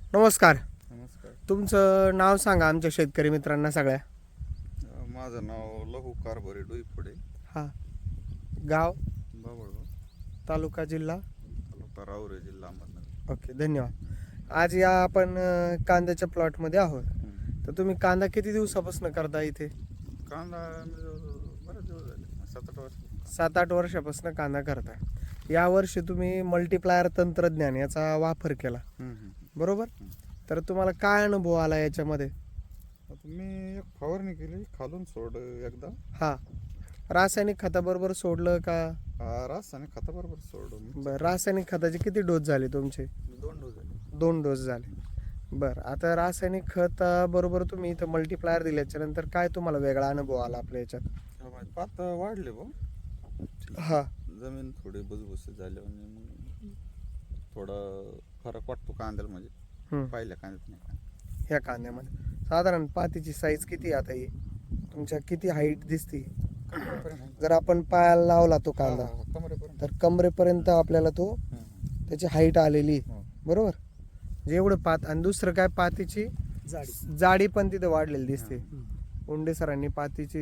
नमस्कार. नमस्कार. तुमचं नाव सांगा आमच्या शेतकरी मित्रांना सगळ्या. माझं नाव लहू कारभारी डोईफोडे, हां. गाव, बाबळगाव, तालुका, जिल्हा. तालुका राहुरी, जिल्हा अहमदनगर. ओके, धन्यवाद. आज या आपण कांद्याच्या प्लॉटमध्ये आहोत. तर तुम्ही कांदा किती दिवसापासून करता इथे? कांदा बरेच दिवस झाले, 7-8 वर्ष. 7-8 वर्षापासून कांदा करता. यावर्षी तुम्ही मल्टीप्लायर तंत्रज्ञान याचा वापर केला, बरोबर? तर तुम्हाला काय अनुभव आला याच्यामध्ये? आता मी एक फवारणी केली, खालून सोड एकदा. हां. रासायनिक खताबरोबर सोडलं का? रासायनिक खताबरोबर सोडून बरं. रासायनिक खताचे किती डोस झाले तुमचे? 2 डोस झाले. 2 डोस झाले. बरं. आता रासायनिक खत बरोबर तुम्ही इथं मल्टीप्लायर दिल्याच्या नंतर काय तुम्हाला वेगळा अनुभव आला आपल्या याच्यात? पात वाढले भाऊ. हां. जमीन थोडी भुसभुशीत झाली आणि मग थोडा फरक वाटतो कांद्याला, म्हणजे पहिल्या कांद्यात नाही. ह्या कांद्यामध्ये साधारण पातीची साईज किती आता ही तुमच्या किती हाईट दिसते? जर आपण पायाला लावला तो कांदा कमरेपर्यंत. तर कमरेपर्यंत आपल्याला तो त्याची हाईट आलेली, बरोबर? जेवढं पात आणि दुसरं काय, पातीची जाडी पण तिथे वाढलेली दिसते. उंडे सरांनी पातीची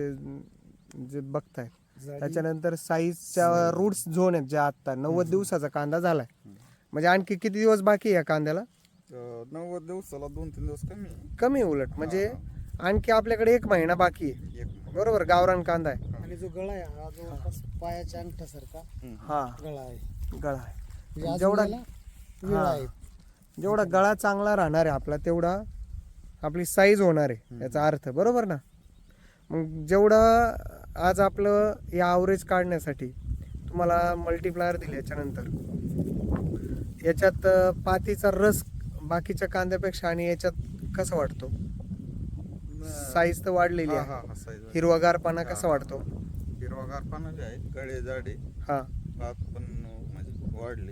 जे बघताय त्याच्यानंतर साईजच्या रूट्स झोन आहेत ज्या आत्ता 90 दिवसाचा कांदा झालाय, म्हणजे आणखी किती दिवस बाकी आहे या कांद्याला? 90 दिवसाला 2-3 दिवस कमी उलट, म्हणजे आणखी आपल्याकडे 1 महिना बाकी आहे, बरोबर? गावरान कांदा आहे. आणि जो गळा आहे हा जवळपास पायाच्या अंगठासारखा हा गळा आहे. गळा आहे. म्हणजे अजून जेवढा याला वेळ आहे. जेवढा गळा चांगला राहणार आहे आपला तेवढा आपली साईज होणार आहे, याचा अर्थ, बरोबर ना? मग जेवढं आज आपलं या ॲव्हरेज काढण्यासाठी तुम्हाला मल्टीप्लायर दिल्याच्या नंतर याच्यात पातीचा रस बाकीच्या कांद्यापेक्षा आणि याच्यात कसा वाटतो? साईज तर वाढलेली आहे, हिरवागारपणा कसा वाटतो? हिरवागार पानं जे आहेत, गळे जाडे, हा. पात पण म्हणजे वाढले.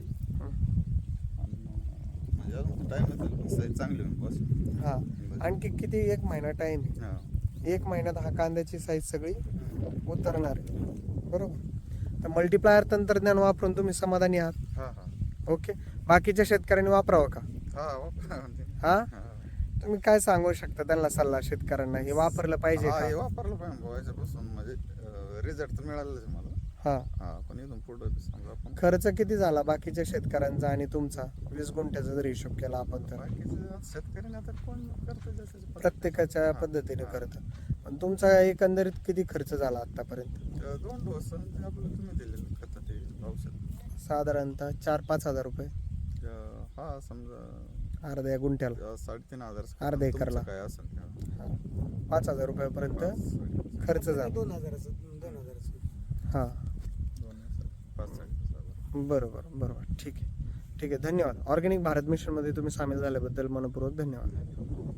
म्हणजे अजून टाइम पण साईज चांगली होईल बस. हा. आणखी किती? 1 महिना टाइम आहे. हा. 1 महिन्यात हा कांद्याची साईज सगळी उतरणार आहे, बरोबर? तर मल्टीप्लायर तंत्रज्ञान वापरून तुम्ही समाधानी आहात? हा. हा. ओके. बाकीच्या शेतकऱ्यांनी वापरावं का? हा वापरा म्हणजे. हा. हा. तुम्ही काय सांगू शकता त्यांना सल्ला, शेतकऱ्यांना हे वापरलं पाहिजे हा, का? हे वापरलं पाहिजे भाऊ. याच्यापासून म्हणजे रिझल्ट तर मिळालेच मला. हा. हा, पण इथून पुढं समजा आपण खर्च किती झाला बाकीच्या शेतकऱ्यांचा आणि तुमचा 20 गुंठ्याचा जर हिशोब केला आपण तर? बाकीचं शेतकऱ्यांना आता कोण करतं जसं प्रत्येकाच्या पद्धतीने करतं. पण तुमचा एकंदरीत किती खर्च झाला आतापर्यंत? 2 डोस आणि ते आपलं तुम्ही दिलेलं खतं, ते औषध साधारणतः 4-5 हजार रुपये हा समजा अर्ध्या गुंठ्याला, 3,500 अर्ध्या एकरला. काय असेल ते. 5,000 रुपयापर्यंत खर्च झाला. 2,000चं. हा. 5,000. बरोबर. ठीक आहे. धन्यवाद. ऑर्गॅनिक भारत मिशनमध्ये तुम्ही सामील झाल्याबद्दल मनपूर्वक धन्यवाद.